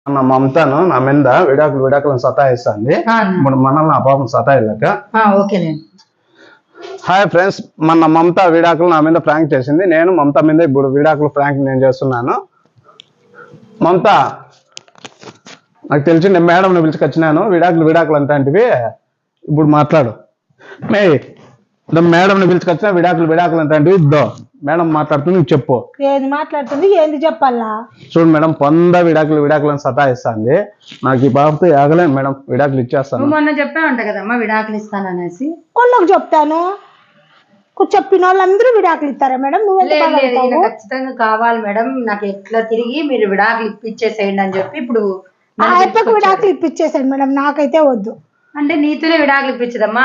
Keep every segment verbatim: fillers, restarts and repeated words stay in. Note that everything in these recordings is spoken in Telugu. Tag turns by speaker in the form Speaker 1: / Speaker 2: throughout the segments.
Speaker 1: నా మమతాను నా మీద విడాకులు విడాకులను సతాయిస్తుంది. ఇప్పుడు మనల్ని ఆ పాపం సతాయిలేక. హాయ్ ఫ్రెండ్స్, మన మమత విడాకులు నా మీద ప్రాంక్ చేసింది. నేను మమత మీద ఇప్పుడు విడాకులు ప్రాంక్ నేను చేస్తున్నాను. మమత, నాకు తెలిసి నేను మేడంని పిలుచుకొచ్చినాను. విడాకులు విడాకులు అంటాంటివి ఇప్పుడు మాట్లాడు. మే మేడంని పిలుచుకొచ్చిన విడాకులు విడాకులు అంటాంటివి ఇద్దో మేడం మాట్లాడుతుంది, నువ్వు చెప్పు.
Speaker 2: ఏది మాట్లాడుతుంది, ఏంది చెప్పాలా?
Speaker 1: చూడు మేడం, పొంద విడాకులు విడాకులను సతాయిస్తుంది. నాకు ఈ బాబుతో ఆగలేను మేడం, విడాకులు ఇచ్చేస్తాను.
Speaker 3: మొన్న చెప్పావంట కదమ్మా విడాకులు ఇస్తాను అనేసి.
Speaker 2: వాళ్ళకి చెప్తాను, చెప్పిన వాళ్ళందరూ విడాకులు ఇస్తారా మేడం? నువ్వు
Speaker 3: ఖచ్చితంగా కావాలి మేడం, నాకు ఎట్లా తిరిగి మీరు విడాకులు ఇప్పించేసేయండి అని చెప్పి ఇప్పుడు
Speaker 2: ఆయప్పకు విడాకులు ఇప్పించేసాడు మేడం, నాకైతే వద్దు.
Speaker 3: అంటే నీతోనే విడాకులు ఇప్పించదమ్మా,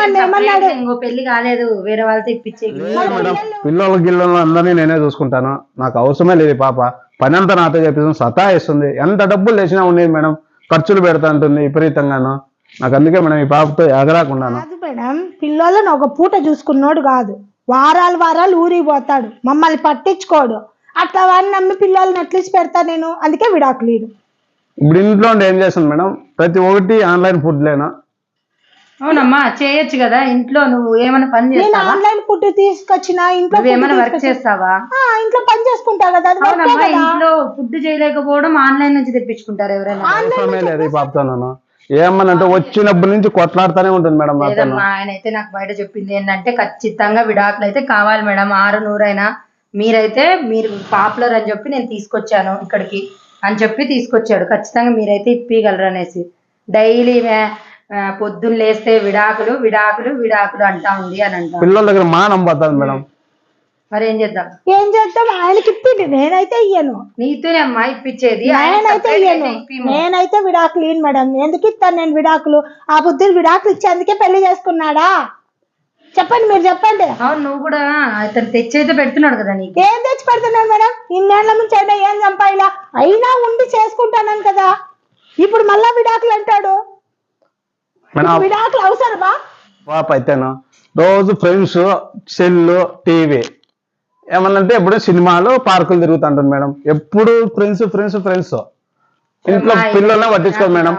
Speaker 3: ఇంకో పెళ్లి కాలేదు, వేరే వాళ్ళతో ఇప్పించే.
Speaker 1: పిల్లల గిల్లలు అందరినీ నేనే చూసుకుంటాను, నాకు అవసరమే లేదు. పాప పని అంతా నాతో చెప్పేసి సతాయిస్తుంది. ఎంత డబ్బులు లేచినా ఉండేది మేడం, ఖర్చులు పెడతా ఉంటుంది విపరీతంగాను. నాకు అందుకే మేడం ఈ పాపతో ఎగరాకున్నాను.
Speaker 2: కాదు మేడం, పిల్లలను ఒక పూట చూసుకున్నాడు కాదు, వారాలు వారాలు ఊరికి పోతాడు, మమ్మల్ని పట్టించుకోడు. అట్లా వాడిని నమ్మి పిల్లల్ని ఎట్లీసి పెడతా నేను, అందుకే విడాకులు.
Speaker 1: ఇప్పుడు ఇంట్లో ఏం చేస్తాను మేడం, ప్రతి ఒక్కటి ఆన్లైన్ ఫుడ్ లేనా?
Speaker 3: అవునమ్మా, చేయొచ్చు కదా ఇంట్లో. నువ్వు ఏమైనా పని చేస్తావా?
Speaker 2: ఆన్లైన్ ఫుడ్ తీసుకొచ్చినా ఇంట్లో
Speaker 3: ఏమైనా వర్క్ చేస్తావా?
Speaker 2: ఇంట్లో పని చేసుకుంటా కదా.
Speaker 3: ఇంట్లో ఫుడ్ చేయలేకపోవడం ఆన్లైన్ నుంచి తెప్పించుకుంటారు ఎవరైనా?
Speaker 1: అవసరమే లేదు ఈ పాపతో. నేను ఏమనంటే వచ్చినప్పటి నుంచి కొట్లాడుతూనే ఉంటుంది మేడం.
Speaker 3: ఆయన అయితే నాకు బయట చెప్పింది ఏంటంటే ఖచ్చితంగా విడాకులు అయితే కావాలి మేడం, ఆరు నూరైనా. మీరైతే మీరు పాపులర్ అని చెప్పి నేను తీసుకొచ్చాను ఇక్కడికి అని చెప్పి తీసుకొచ్చాడు. ఖచ్చితంగా మీరైతే ఇప్పగలరు అనేసి డైలీ పొద్దున్న లేస్తే విడాకులు విడాకులు విడాకులు అంటా ఉంది అని అంటా.
Speaker 1: పిల్లల దగ్గర మానం పోతుంది మేడం.
Speaker 3: మరి ఏం చేద్దాం?
Speaker 2: ఏం చేద్దాం, ఆయనకి ఇప్పింది, నేనైతే ఇయ్యను.
Speaker 3: నీతోనే అమ్మా ఇప్పించేది,
Speaker 2: నేనైతే ఇయ్యను. నేనైతే విడాకులు ఇయ్యను మేడం. ఎందుకు ఇస్తాను నేను విడాకులు? ఆ బుద్ధులు విడాకులు ఇచ్చి అందుకే పెళ్లి చేసుకున్నాడా? చెప్పండి, మీరు చెప్పండి.
Speaker 3: అవును, నువ్వు కూడా అతను తెచ్చి అయితే పెడుతున్నాడు కదా. నీకు
Speaker 2: ఏం తెచ్చి పెడుతున్నాడు మేడం? ఇన్నేళ్ల నుంచి అయినా ఏం చంపాయిలా, అయినా ఉండి చేసుకుంటానని కదా, ఇప్పుడు మళ్ళా విడాకులు అంటాడు. విడాకులు అవసరమా?
Speaker 1: పాప అయితేను రోజు ఫ్రెండ్స్, సెల్లు, టీవీ, ఏమన్నంటే ఎప్పుడు సినిమాలు, పార్కులు తిరుగుతుంటుంది మేడం. ఎప్పుడు ఫ్రెండ్స్ ఫ్రెండ్స్ ఫ్రెండ్స్. ఇంట్లో పిల్లల్ని పట్టించుకోదు మేడం.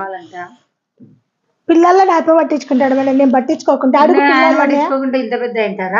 Speaker 2: పిల్లల్లో నాపై పట్టించుకుంటాడు మేడం, నేను పట్టించుకోకుండా
Speaker 3: ఇంత పెద్ద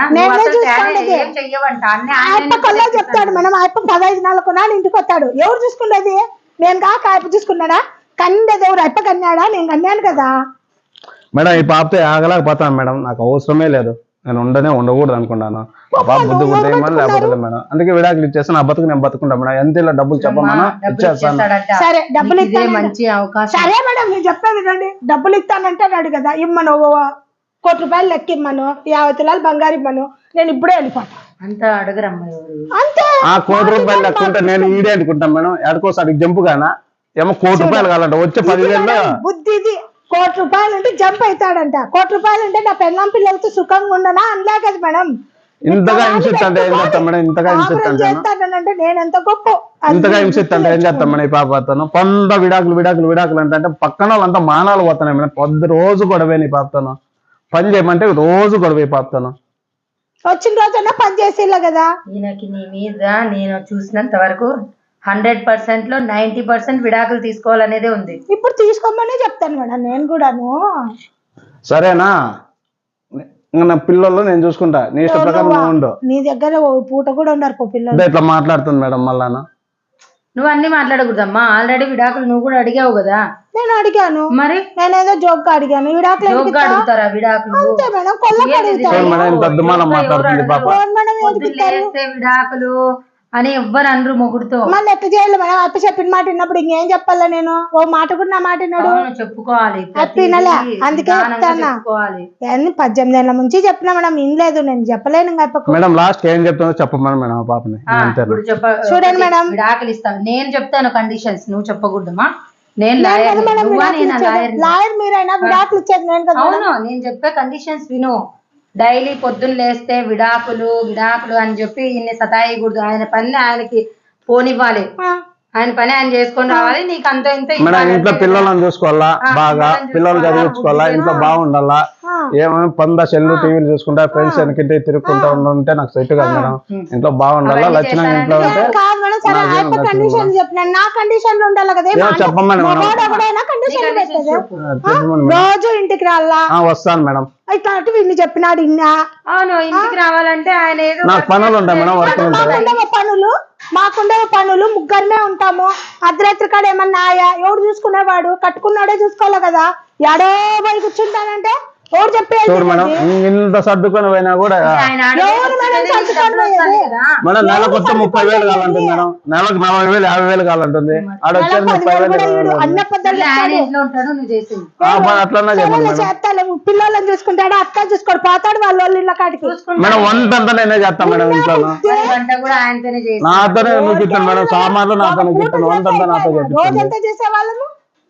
Speaker 2: కల్లా చెప్తాడు మేడం. ఆయప్ప పదహైదు నెలలకు నాడు ఇంటికి వస్తాడు. ఎవరు చూసుకునేది? నేను కాక ఆయప్ప చూసుకున్నాడా? కన్నది ఎవరు? అప్ప కన్నాడా? నేను కన్నాను కదా
Speaker 1: మేడం. ఈ పాపతో ఆగలేకపోతాను మేడం, నాకు అవసరమే లేదు. నేను ఉండనే ఉండకూడదు అనుకున్నాను. పాప బుద్ధి బుద్ధి ఏమని లేకపోతే మేడం, అందుకే విడాకులు ఇచ్చేసి నా బతుకు నేను బతుకుంటా మేడం. ఎంత ఇలా డబ్బులు చెప్పమన్నా ఇచ్చేస్తాను.
Speaker 2: సరే, డబ్బులు ఇస్తే
Speaker 3: మంచి అవకాశం.
Speaker 2: సరే మేడం, నేను చెప్పేది రండి. డబ్బులు ఇస్తానంటాడు కదా, ఇమ్మను కోటి రూపాయలు లెక్క ఇమ్మను, యాభై తులాలు బంగారు ఇమ్మను, నేను ఇప్పుడే వెళ్ళిపోతా.
Speaker 3: అంతా అడగరమ్మా
Speaker 2: అంతే.
Speaker 1: ఆ కోటి రూపాయలు లెక్క ఉంటే నేను ఈడే అనుకుంటాను మేడం. ఎడకోసారి జంపు గానా ఏమో కోటి రూపాయలు కావాలంట, వచ్చే పదివేలు
Speaker 2: బుద్ధి ఇది. కోటి రూపాయలు అంటే జంప్ అవుతాడంట. కోటి రూపాయలు అంటే నా పెళ్ళాం పిల్లలతో సుఖంగా ఉండనా అనలే కదా మేడం.
Speaker 1: ఇంతగా హింసిస్తాంటే ఏం చేస్తాం మేడం? ఇంతగా
Speaker 2: హింసిస్తానంటే నేను ఎంత గొప్ప,
Speaker 1: ఇంతగా హింసిస్తాంటే ఏం చేస్తాం మేడం? ఈ పాపతోను పొంద విడాకులు విడాకులు విడాకులు అంటే అంటే పక్కన వాళ్ళంతా మానాలు పోతున్నాయి మేడం. పొద్దు రోజు గొడవే నీ పాపతోను. పని చేయమంటే రోజు గొడవ ఈ పాపతోను.
Speaker 2: వచ్చిన రోజన్నా పని చేసేలా కదా.
Speaker 3: ఈయనకి నీ మీద నేను చూసినంత వరకు హండ్రెడ్ పర్సెంట్ లో నైన్టీ పర్సెంట్ విడాకులు తీసుకోవాలనేదే ఉంది.
Speaker 2: ఇప్పుడు తీసుకోమనే చెప్తాను మేడం నేను కూడాను.
Speaker 1: సరేనా? నా పిల్లలు నేను చూసుకుంటా, నీ ఇష్ట ప్రకారం నువ్వు ఉండు.
Speaker 2: నీ దగ్గర పూట కూడా ఉండరు పిల్లలు.
Speaker 1: ఇట్లా మాట్లాడుతుంది మేడం. మళ్ళా
Speaker 3: నువ్వు అన్ని మాట్లాడకూడదమ్మా. ఆల్రెడీ విడాకులు నువ్వు కూడా అడిగావు కదా.
Speaker 2: నేను అడిగాను, మరి నేనేదో జోక్ గా అడిగాను. విడాకులు
Speaker 3: అడుగుతారా? విడాకులు
Speaker 2: అంతే మేడం, కొల్లకి అడుగుతారు.
Speaker 3: విడాకులు అని ఎవ్వరు అనరు మొగుడుతో.
Speaker 2: మళ్ళీ ఎట్లా చేయాలి మేడం? అప్ప చెప్పిన మాట విన్నప్పుడు ఇంకేం చెప్పాలా? నేను ఓ మాట కూడా నా మాట విన్నాడు.
Speaker 3: చెప్పుకోవాలి,
Speaker 2: వినలే, అందుకే చెప్తాను. పద్దెనిమిది ఏళ్ళ నుంచి చెప్పినా మేడం, వినలేదు. నేను చెప్పలేను
Speaker 1: మేడం. లాస్ట్ ఏం చెప్తానో చెప్పమని మేడం పాపని.
Speaker 2: చూడండి మేడం,
Speaker 3: విడాకులు ఇస్తాను నేను చెప్తాను కండిషన్స్, నువ్వు చెప్పకూడదమ్మా. నేను
Speaker 2: లాయర్ మీరైనా విడాకులు ఇచ్చేది నేను కదా.
Speaker 3: అవును, నేను చెప్పే కండిషన్స్ విను. డైలీ పొద్దున్న లేస్తే విడాకులు విడాకులు అని చెప్పి ఇన్ని సతాయకూడదు. ఆయన పని ఆయనకి పోనివ్వాలి. ఆయన పని ఆయన చేసుకొని రావాలి, నీకు అంత ఇంత
Speaker 1: మేడం
Speaker 3: ఇవ్వాలి
Speaker 1: ఇంట్లో
Speaker 3: అంతే కదా.
Speaker 1: పిల్లలను చూసుకోవాలా
Speaker 3: ఆ,
Speaker 1: బాగా,
Speaker 3: పిల్లలను
Speaker 1: పిల్లలు
Speaker 3: చూసుకోవాలా,
Speaker 1: చదివించుకోవాలా,
Speaker 3: బుద్ధి
Speaker 1: ఇంట్లో బాగుండాలా,
Speaker 2: ఆ.
Speaker 1: ఏమైనా పంద సెల్లు టీవీలు చూసుకుంటా ఫ్రెండ్స్ వెనకింటి తిరుగుకుంటా ఉంటే నాకు సెట్ కాదు మేడం. ఇంట్లో బాగుండాలా,
Speaker 3: అవన్నీ
Speaker 1: లక్షణంగా ఇంట్లో
Speaker 3: చేస్తానంటే
Speaker 1: ఉంటే
Speaker 2: కాదు మేడం, సరే
Speaker 1: నాకేం
Speaker 2: అయిపో
Speaker 1: నచ్చదు
Speaker 2: కండిషన్ చెప్పినాను, నా కండిషన్ లో ఉండాలి కదా.
Speaker 1: ఏమో చెప్పమ్మా మేడం.
Speaker 2: ఎవడైనా కండిషన్ పెట్టదు.
Speaker 1: చెప్పమని మేడం.
Speaker 2: రోజు ఇంటికి రాలా
Speaker 1: ఆ, వస్తాను మేడం.
Speaker 2: ఇట్లా అటు వీడిని చెప్పినాడు ఇన్నా.
Speaker 3: అవును ఇంటికి రావాలంటే ఆయన ఏదో
Speaker 1: నాకు పనులు ఉంటాయి మేడం, వర్కులు ఉంటాయి.
Speaker 2: మాకుండవ పనులు మాకుండవ పనులు ముగ్గురమే ఉంటాము. అర్ధరాత్రి కాడ ఏమన్నా ఆయా ఎవడు చూసుకునేవాడు, కట్టుకున్నాడే చూసుకోవాలి కదా. ఎడో పోయి కూర్చుంటానంటే ఎవరు చెప్పేది?
Speaker 1: చూడు మేడం, ఇంత సర్దుకొని పోయినా కూడా
Speaker 3: ఆయన ఆడ
Speaker 2: ఎవరు మేడం
Speaker 3: నీకు
Speaker 2: సర్దుకొని
Speaker 3: డబ్బులు వస్తాయి కదా.
Speaker 1: మేడం నెలకు వస్తే ముప్పై వేలు కావాలంటుంది మేడం, నెలకు నలభై వేలు యాభై వేలు కావాలంటుంది. ఆడ వచ్చేది ముప్పై వేలు కావాలంటుంది.
Speaker 2: అన్న
Speaker 3: మళ్ళీ ఆయన ఇంట్లో ఉంటాడు, నువ్వు చేసింది
Speaker 1: ఆ, మరి అట్లన్నా చెప్పండి మేడం.
Speaker 2: చేస్తాను. పిల్లలను చూసుకుంటాడు, అత్త చూసుకోడు, పోతాడు వాళ్ళ వాళ్ళ ఇళ్ళ కాడికి.
Speaker 1: మేడం వంట అంతా నేనే చేస్తాను మేడం ఇంట్లో.
Speaker 3: మరి వంట కూడా ఆయనతోనే చేసి
Speaker 1: నాతోనే నువ్వు ఇస్తాను మేడం, సామాన్లు నాతోనే ఇస్తాను, వంట అంతా నాతో చేపిస్తాను.
Speaker 2: రోజంతా చేసే వాళ్ళము.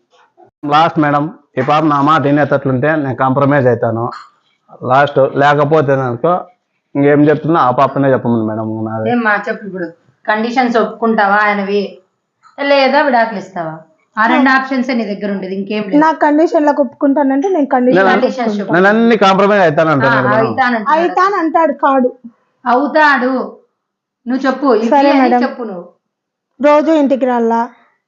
Speaker 1: లాస్ట్ మేడం, ఈ పాప నా మాట వినేటట్లుంటే నేను కాంప్రమైజ్ అవుతాను. లాస్ట్ లేకపోతే అనుకో ఇంకేం చెప్తున్నా ఆ పాపనే చెప్పమని మేడం. నాది
Speaker 3: ఏం మా చెప్పు ఇప్పుడు కండిషన్స్ ఒప్పుకుంటావా ఆయనవి, లేదా విడాకులు ఇస్తావా? ఆ రెండు ఆప్షన్స్ నీ దగ్గర ఉండేది, ఇంకేం లేదు.
Speaker 2: నా కండిషన్ లకు ఒప్పుకుంటానంటే నేను కండిషన్
Speaker 3: కండిషన్స్ చెప్పు.
Speaker 1: నేను అన్ని కాంప్రమైజ్ అవుతానంటాను మేడం.
Speaker 3: అవుతానంటున్నాడు.
Speaker 2: అయితాను అంటాడు కాడు.
Speaker 3: అవుతాడు నువ్వు చెప్పు, ఇవి
Speaker 2: సరే
Speaker 3: అని
Speaker 2: మేడం.
Speaker 3: చెప్పు నువ్వు.
Speaker 2: రోజు ఇంటికి రాలా,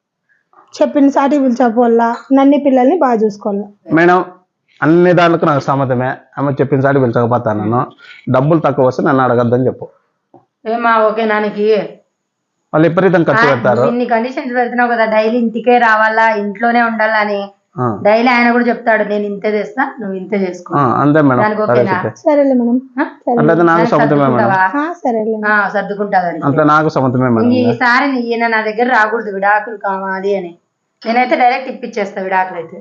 Speaker 2: చెప్పిన సాటి పిలిచపోల్లా, నన్ని పిల్లల్ని బాగా చూసుకోవాలా.
Speaker 1: మేడం అన్ని దాంట్లో నాకు సమ్మతమే, ఆమె చెప్పిన సాటి పిలిచకపోతాను. నేను డబ్బులు తక్కువ వస్తే నన్ను అడగద్దని చెప్పు.
Speaker 3: ఏమా ఓకే నానికి
Speaker 1: వాళ్ళు విపరీతం ఖర్చు పెడతారు.
Speaker 3: ఇన్ని కండిషన్స్ పెడుతున్నావు కదా, డైలీ ఇంటికే రావాలా, ఇంట్లోనే ఉండాలా అని.
Speaker 1: ఆ,
Speaker 3: డైలీ ఆయన కూడా చెప్తాడు, నేను ఇంతే చేస్తా, నువ్వు ఇంతే చేసుకో.
Speaker 1: ఆ, అంతే మేడం.
Speaker 3: దానికి
Speaker 1: సరే
Speaker 3: ఓకేనా?
Speaker 1: చెప్పే
Speaker 2: సరేలే మేడం.
Speaker 3: ఆ?
Speaker 1: అట్లయితే నాకు
Speaker 3: దానికి
Speaker 1: సమ్మతమే మేడం.
Speaker 3: సర్దుకుంటావా?
Speaker 2: ఆ, సరేలే.
Speaker 3: ఆ, సర్దుకుంటాదని.
Speaker 1: అట్లా నాకు సమ్మతమే మేడం.
Speaker 3: ఈసారి ఈయన నా దగ్గర రాకూడదు, విడాకులు కావాలి అని. నేనైతే డైరెక్ట్ ఇప్పించేస్తా విడాకులు అయితే.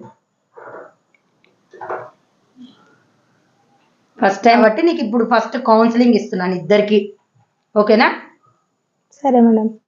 Speaker 3: ఫస్ట్ టైం బట్టి నీకు ఇప్పుడు ఫస్ట్ కౌన్సిలింగ్ ఇస్తున్నాను ఇద్దరికి, ఓకేనా?
Speaker 2: సరే మేడం.